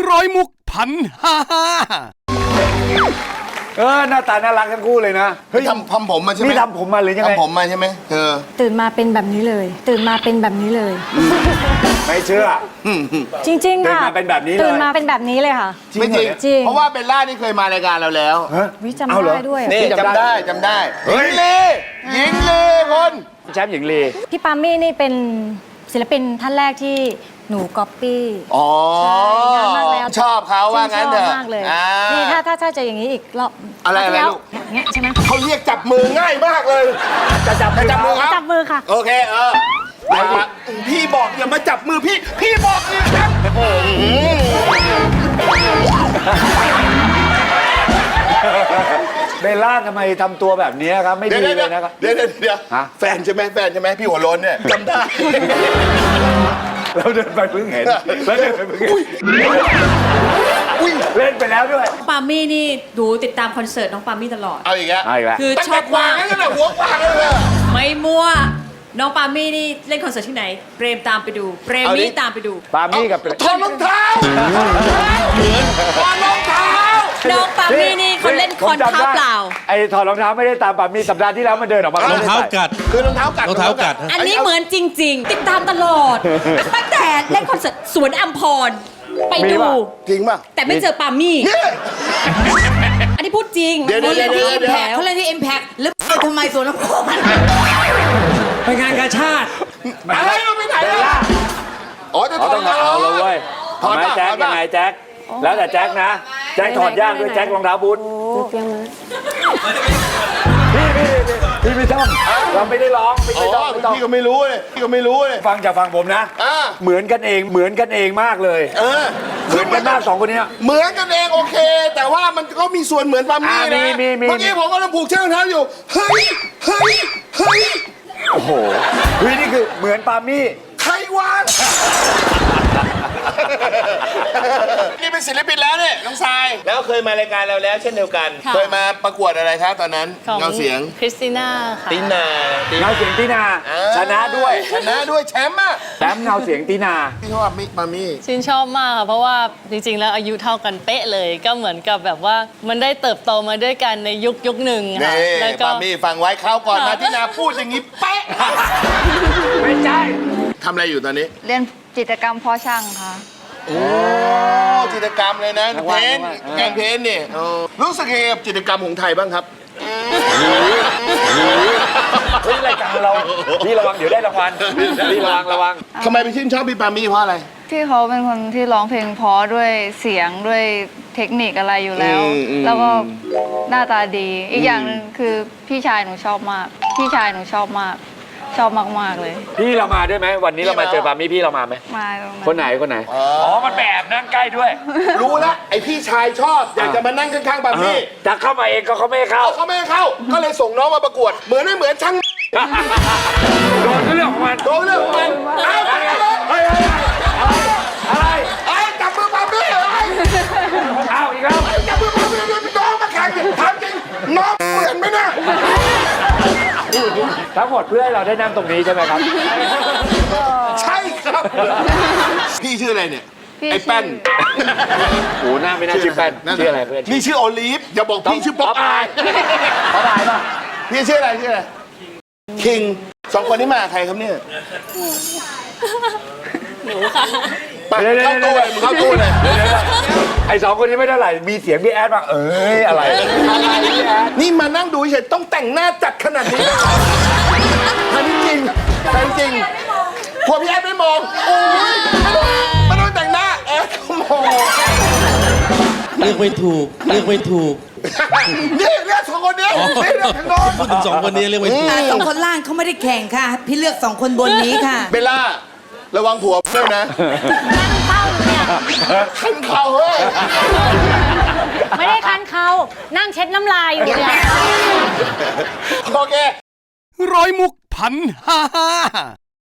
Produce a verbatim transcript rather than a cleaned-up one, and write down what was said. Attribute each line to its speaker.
Speaker 1: ร้อยมุกพันห้าห้า
Speaker 2: เออหน้าตาน่ารักทั้งคู่เลยนะเฮ้ย
Speaker 3: ทำทำผมมาใช่ไหม
Speaker 2: นี่ทำผมมาหรือยังไง
Speaker 3: ทำผมมาใช่ไหมเธอ
Speaker 4: ตื่นมาเป็นแบบนี้เลย ตื่นมาเป็นแบบนี้เลย
Speaker 2: ไม่เชื่อ
Speaker 4: จริงๆค่ะ
Speaker 2: ตื่นมาเป็นแบบนี้เลย
Speaker 4: ตื่นมาเป็นแบบนี้เลยค่ะ
Speaker 3: ไม่จริง
Speaker 4: จริง
Speaker 3: เพราะว่าเบลล่านี่เคยมารายการเราแล้ว
Speaker 2: ฮะ
Speaker 4: วิจำ
Speaker 2: เอาเหรอ
Speaker 4: ได้ด้วยอะ
Speaker 3: นี่จำได้จำได้ห
Speaker 2: เฮ้
Speaker 3: ญิ
Speaker 2: ย
Speaker 3: งลีหญิงลีคน
Speaker 2: แชมป์หญิงลี
Speaker 4: พี่ปามี่นี่เป็นศิลปินท่านแรกที่หนูก๊อปปี้
Speaker 3: อ๋อ
Speaker 4: ใช่นานมากแล้ว
Speaker 3: ชอบเขาว่างั้นเถ
Speaker 4: ช
Speaker 3: อะ
Speaker 4: อบมากเลย
Speaker 3: อ่า
Speaker 4: นี่ถ้าถ้าถ้าจะอย่างนี้อีกรอบ
Speaker 3: อะไร
Speaker 4: คาวที่
Speaker 3: อะไร
Speaker 4: แล้ว
Speaker 3: ลูก
Speaker 4: อย่างเงี้ยใช่ไหม
Speaker 3: เขาเรียกจับมือง่ายมากเลย
Speaker 2: จะจับ
Speaker 3: จะจับมือครับ
Speaker 4: จับมือค่ะ
Speaker 3: โอเคเออไปครับพี่บอกอย่ามาจับมือพี่ พี่บอกนี่ครับ
Speaker 2: เบลล่าทำไมทำตัวแบบนี้ครับไม่
Speaker 3: เดี๋ย
Speaker 2: ดี
Speaker 3: วเดี๋ยว
Speaker 2: เลยนะครับ
Speaker 3: เดี๋ยวเดี๋ยวเดี๋ยว
Speaker 2: ฮะ
Speaker 3: แฟนใช่ไหมแฟนใช่ไหมพี่หัวโล้นเนี่ยจำได้
Speaker 2: เราเดินไปเพิ่งเห็นแล้วเดินไปเพิ่งเห็นเล่นไปแล้วด้วย
Speaker 5: ปามี่นี่ดูติดตามคอนเสิร์ตน้องปามี่ตลอด
Speaker 3: เอาอีกแล้ว
Speaker 2: เอาอีกแล้ว
Speaker 5: คือ
Speaker 3: ตั้ง
Speaker 5: ช
Speaker 3: แต่
Speaker 5: อบ
Speaker 3: กวาม
Speaker 5: าง ก
Speaker 3: นั่นน่ะหัวกวางเลยอะ
Speaker 5: ไม่มั่ว น้องปามี่นี่เล่นคอนเสิร์ตที่ไหน เปรมตามไปดู เปรมนี่ตามไปดู
Speaker 2: ปามี่กับ
Speaker 3: ถอดรองเท้าถอดรองเท้า
Speaker 5: น้องปามี่นี่เขาเล่นคอน
Speaker 2: ผมจำ
Speaker 5: เท้า
Speaker 2: ได้
Speaker 5: เปล่า
Speaker 2: ไอ้ถอดรองเท้าไม่ได้ตามปามี่สัปดาห์ที่แล้วมันเดินออกมาร
Speaker 1: องเท้ากัด
Speaker 3: คือรองเท้ากัด
Speaker 1: รองเท้ากัด
Speaker 5: อันนี้เหมือนจริง ๆ ติดตามตลอดตั้งแต่เล่นคอนเสิร์ตสวนอัมพร ไปดู
Speaker 3: จริงป่ะ
Speaker 5: แต่ไม่เจอปามี่ อันนี้พูดจริง
Speaker 3: เดี๋ยวเดี๋ยวเดี๋ยวเดี๋ยวเดี๋ยว
Speaker 5: เขาเล่นที่ Impact แล้วไปทำไมสวนอัมพร
Speaker 6: ไปงานกาชาติ
Speaker 3: อะไรเราไปไหนล่ะอ๋อจะถ
Speaker 2: เขา
Speaker 3: อด
Speaker 2: ต้องเอาแล้วเว้ย
Speaker 3: ถอด
Speaker 2: ทำไม
Speaker 3: ป่ะ
Speaker 2: แจ็ค
Speaker 3: ถอด
Speaker 2: ยั
Speaker 3: ป่ะ
Speaker 2: งไงแจ็คแล้วแต่แจ็คนะแจ็คถอดยากด้วยแจ็ครองเท้าบูทพี่พี่พี่พี่ไม่ต้องเราไม่ได้ร้องไม่
Speaker 3: อ๋อ
Speaker 2: ได้ร้องไม่ต้อง
Speaker 3: พี่ก็ไม่รู้เลยพี่ก็ไม่รู้เลย
Speaker 2: ฟังจากฟังผมนะ
Speaker 3: อ่า
Speaker 2: เหมือนกันเองเหมือนกันเองมากเลย
Speaker 3: เออ
Speaker 2: เหมือนกันมากสองคนเนี้ย
Speaker 3: เหมือนกันเองโอเค แต่ว่ามันก็มีส่วนเหมือนปามี่
Speaker 2: อ่ามี
Speaker 3: นะ
Speaker 2: มีมี
Speaker 3: เมื่อกี้ผมกำลังผูกเชือกรองเท้าอยู่เฮ้ยเฮ้ยเฮ้ย
Speaker 2: โอ้โหเฮ้ยนี่คือเหมือนปามี่
Speaker 3: ใครวางนี่เป็นศิลปินแล้วเนี่ยน้องทรายแล้วเคยมารายการเราแล้วเช่นเดียวกัน
Speaker 7: ค่ะ
Speaker 3: เคยมาประกวดอะไรครับตอนนั้น
Speaker 7: ของ
Speaker 3: เงาเสียง
Speaker 7: คริสติน่าค่ะ
Speaker 3: ตินาติ
Speaker 2: เงาเสียงตีนา
Speaker 3: อ่า
Speaker 2: ชนะด้วย
Speaker 3: ชนะด้วยแชมป์อ่ะ
Speaker 2: แชมป์เงาเสียงตีนา
Speaker 3: พี่ชอบมิปามี่
Speaker 7: ชื่นชอบมากค่ะเพราะว่าจริงๆ แล้วอายุเท่ากันเป๊ะเลย ก็เหมือนกับแบบว่ามันได้เติบโตมาด้วยกันในยุคยุคหนึ่งค่ะ
Speaker 3: นี่
Speaker 7: แล้วก็
Speaker 3: ปามี่ฟังไว้เข้าวก่อนมาที่นาพูดอย่างนี้เป๊ะ
Speaker 2: ไม่ใช่
Speaker 3: ทำอะไรอยู่ตอนนี้
Speaker 8: เรียนจิตรกรรมเพอช่างค่ะ
Speaker 3: โอ้จิตรกรรมเลยนะเพ้นท์งานเพ้นท์นี่เออรู้สึกยังไงกับจิตรกรรมของไทยบ้างครับ
Speaker 2: เฮ้ยรายการเราพี่ระวังเดี๋ยวได้รางวัลพี่ระวังระวัง
Speaker 3: ทำไมไปชื่นชอบพี่ปามี่เพราะอะไร
Speaker 8: ที่เขาเป็นคนที่ร้องเพลงเพราะด้วยเสียงด้วยเทคนิคอะไรอยู่แล้ว
Speaker 3: อืมอืม
Speaker 8: แล้วก็หน้าตาดี อีกอย่างหนึ่งคือพี่ชายหนูชอบมาก พี่ชายหนูชอบมาก ชอบมากๆเลย
Speaker 2: พี่เรามาด้วยไหมวันนี้เรามาเจอปามี่พี่เรามาไหม
Speaker 8: มาตรงนั้น
Speaker 2: คนไหนคนไหนอ๋อมันแบบนั่งใกล้ด้วย
Speaker 3: รู้แล้วไอพี่ชายชอบอยากจะมานั่งข้างๆปามี่
Speaker 2: จะเข้ามาเองก็เขาไม่ให้เข้า
Speaker 3: เอาเขาไม่ให้เข้า ก็เลยส่งน้องมาประกวด เหมือนไม่เหมือนช่าง
Speaker 2: โดนเรื่องของมัน
Speaker 3: โดนเรื่องของมันเอาไปเลย
Speaker 2: เฮ้ยอะไร
Speaker 3: ไอ้จับมือปามี่อะไร
Speaker 2: เอาอีกแล้ว
Speaker 3: จับมือปามี่น้องมาแข่งถามจริงน้องเหมือนไหมเนี่ย
Speaker 2: ทั้งหมดเพื่อให้เราได้นั่งตรงนี้ใช่ไหมครับ
Speaker 3: ใช่ครับ พี่ชื่ออะไรเนี่ย
Speaker 8: พี่
Speaker 3: ไอ้แป้น
Speaker 2: โอ้หน้าไม่น่าชื่อแป้นชื่ออะไรเพื่อน
Speaker 3: นี่ชื่อโอลีฟอย่าบอกพี่ชื่อป๊อปอาย
Speaker 2: เขาได้ป่ะ
Speaker 3: พี่ชื่ออะไรชื่ออะไรคิงสองคนนี้มาใครครับเนี่ย
Speaker 7: หนูค่ะ
Speaker 3: ไปเข้าตู้เลยมึงเข้าตู้เลย
Speaker 2: ไอ้สองคนนี้ไม่เท่าไหร่มีเสียงพี่แอดบ้างเอ้ยอะไรอะไรพี่แอด
Speaker 3: นี่มานั่งดูเฉยต้องแต่งหน้าจัดขนาดนี้อันนี้จริงอันนี้จริงพอพี่แอดไม่มองโอ้ยไม่ต้องแต่งหน้าแอดก็มอง
Speaker 6: เลือกไม่ถูก เลือกไม่ถูก
Speaker 3: นี่เลือกสองคนนี้นี่เลือกทางโน้น
Speaker 6: พูดถึงสองคนนี้เลือกไม่ถูก
Speaker 5: แต่สองคนล่างเขาไม่ได้แข่งค่ะ พี่เลือกสองคนบนนี้ค่ะ
Speaker 3: เบลล่าระวังผัวด้วยนะ
Speaker 4: นั่งเข้าเนี่ย
Speaker 3: ขันเข่าเฮ้ย
Speaker 4: ไม่ได้คันเขานั่งเช็ดน้ำลายอยู่เนี่ย
Speaker 3: โอเค
Speaker 1: ร้อยมุกพันห้าห้า